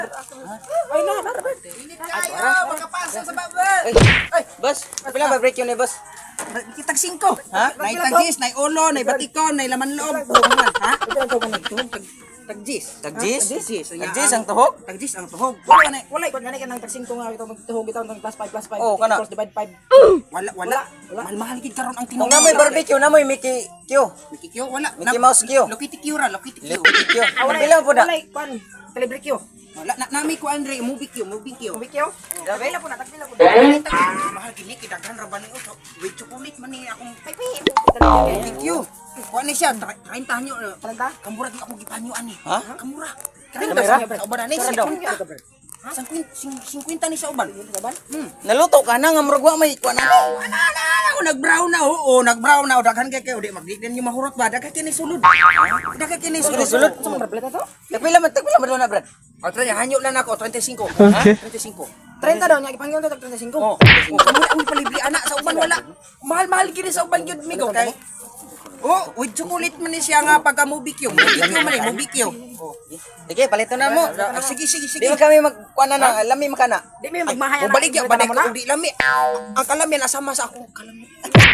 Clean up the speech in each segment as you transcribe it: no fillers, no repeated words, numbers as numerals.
Ay na, Bert. Ini kayo, magkapasa sa babet. Ay, boss, pila ba break yun eh, boss? Kitag 5. Ha? Nay tagis, nay ulo, nay batikon, nay laman loob. Tuhuman, ha? Ito ang tuman nito. Tagjis. Tagjis? Tagjis. Tagjis ang tuhog? Tagjis ang tuhog. Wala Wala ikot nga nang tagsing ko nga ito magtuhog ito ng +5 Oh, kana. cross divide 5. wala. Mahal gid karon ang Kung tinuod. namoy barbecue, namoy Mickey Q. Mickey Q, wala. Mickey Mouse Q. Lokiti Q ra, Lokiti Q. Mickey Q. Wala Pila po na? Wala kwan. Calibre Q. Wala nami ko Andre, movie Q. Barbecue. Tagpila po na. Mahal gid ni kidaghan ra ba ni uso. With chocolate man ni akong Pipi. Movie Q. Kuha ni siya, 30 nyo. Talanta? Kamura di ako gipanyoan ni. Ha? Kamura. Kamera? Sa uban ni Saan daw? 50 ni sa uban. Naluto ka na nga murag wa may kuan na. Nag-brown na, oo, nag-brown na. Daghan kay kayo, di magdignan yung mahurot ba? Daghan kini sulod. Daghan kini sulod. Sulod? Sa mga barbeleta to? Tagpila man na, Brad. O, try, hanyo na nako, 25. Okay. 25. 30 daw niya ipangyon to tag 35. Oh, kamu ang palibli anak sa uban wala. Mahal-mahal gini sa uban gyud migo kay. Oh, with chocolate man ni siya nga pagka movie Q. Movie Q man eh, movie Q. Oh. Sige, palito na mo. Sige. Di man kami magkuan na, lami makana. Di may magmahaya O baligya ba ko di lami. Ang kalami nasama sa akong kalami.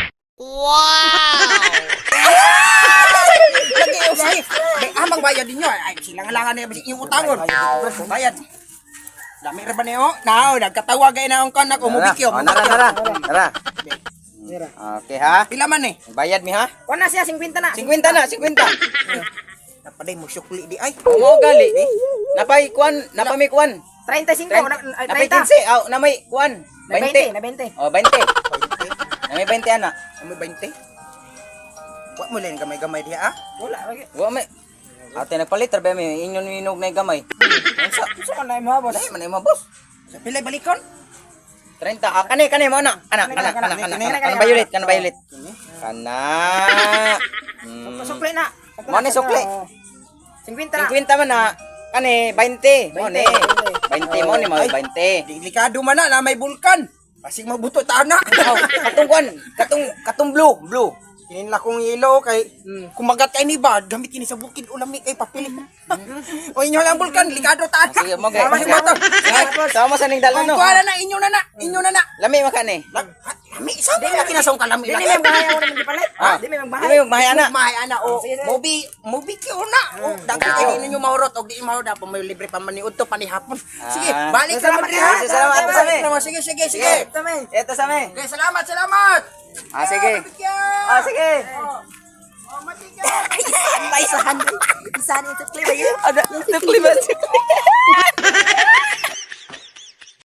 Lagi o sige. May amang bayad ninyo. Ay, silang-langan na yung utangon. Bayad. Dami ra ba niyo? Now, nagkatawa gay na ang kanak o movie Q. Tara. Okay ha. Pila man eh? Bayad mi ha? Kuan na siya 50 na. 50 na, 50. Napaday mo sukli di ay. Mo gali. Napay kuan, napami kuan. 35 Napay 30. 15, aw namay kuan. Na 20, na 20. Oh, 20. Namay 20 ana. May 20. Wa mo lang gamay-gamay diha ah. Wala lagi. Wa may ate nagpalit ra ba mi inyon minog na gamay. Unsa? Gusto ko na mo boss. Dai man mo boss. Sa pilay balikon? 30. Ah, kani mo na. Kana violet, kana violet. Kana. Sukli na. Mo ni sukli. 50 na. 50 man na. Kani 20. Mo ni. 20 mo ni mo 20. Delikado man na may bulkan. Pasig mabuto ta na. Katong kuan, katong blue. Kinin la kong yelo kay kumagat kay ni bad gamit kini sa bukid ulami kay papili. O inyo lang bulkan, delikado ta. Sige mo gay. Mahimato. Sama sa ning dala no. Kuha na inyo na. Lami makani. Lami sabi na kinasong kalami. Di may magmahaya ko naman di palit. Ah. Di may Di magmahaya. mo mahaya na. Mahay ana o Sige. movie kyo na. O daghan kay ninyo mahurot og di mahurot pa may libre pa man ni udto pa ni hapon. Sige, balik ka man diha. Salamat sa amin. Sige. Ito sa amin. Okay, salamat. Sige. Sige. Oh, matigyan. Isahan. Isahan ito clear. Ada, sukli ba?